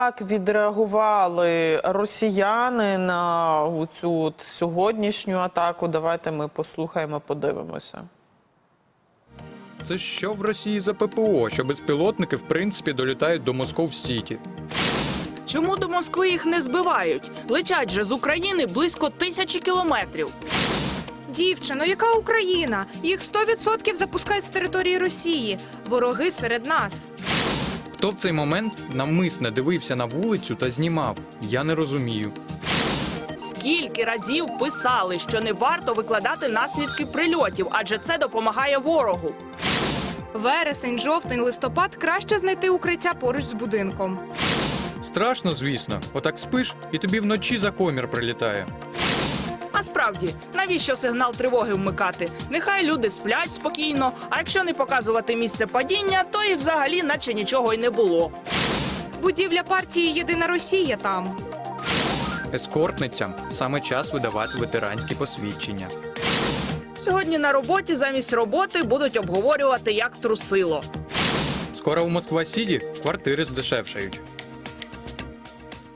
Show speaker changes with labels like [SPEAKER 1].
[SPEAKER 1] Як відреагували росіяни на цю сьогоднішню атаку? Давайте ми послухаємо, подивимося.
[SPEAKER 2] Це що в Росії за ППО, що безпілотники в принципі долітають до Москов-Сіті?
[SPEAKER 3] Чому до Москви їх не збивають? Летять же з України близько 1000 кілометрів.
[SPEAKER 4] Дівчино, яка Україна? Їх 100% запускають з території Росії. Вороги серед нас.
[SPEAKER 2] Хто в цей момент навмисне дивився на вулицю та знімав? Я не розумію.
[SPEAKER 3] Скільки разів писали, що не варто викладати наслідки прильотів, адже це допомагає ворогу.
[SPEAKER 4] Вересень, жовтень, листопад – краще знайти укриття поруч з будинком.
[SPEAKER 2] Страшно, звісно. Отак спиш, і тобі вночі за комір прилітає.
[SPEAKER 3] А справді, навіщо сигнал тривоги вмикати? Нехай люди сплять спокійно, а якщо не показувати місце падіння, то і взагалі наче нічого й не було.
[SPEAKER 4] Будівля партії «Єдина Росія» там.
[SPEAKER 2] Ескортницям саме час видавати ветеранські посвідчення.
[SPEAKER 3] Сьогодні на роботі замість роботи будуть обговорювати, як трусило.
[SPEAKER 2] Скоро у Москва-Сіті квартири здешевшають.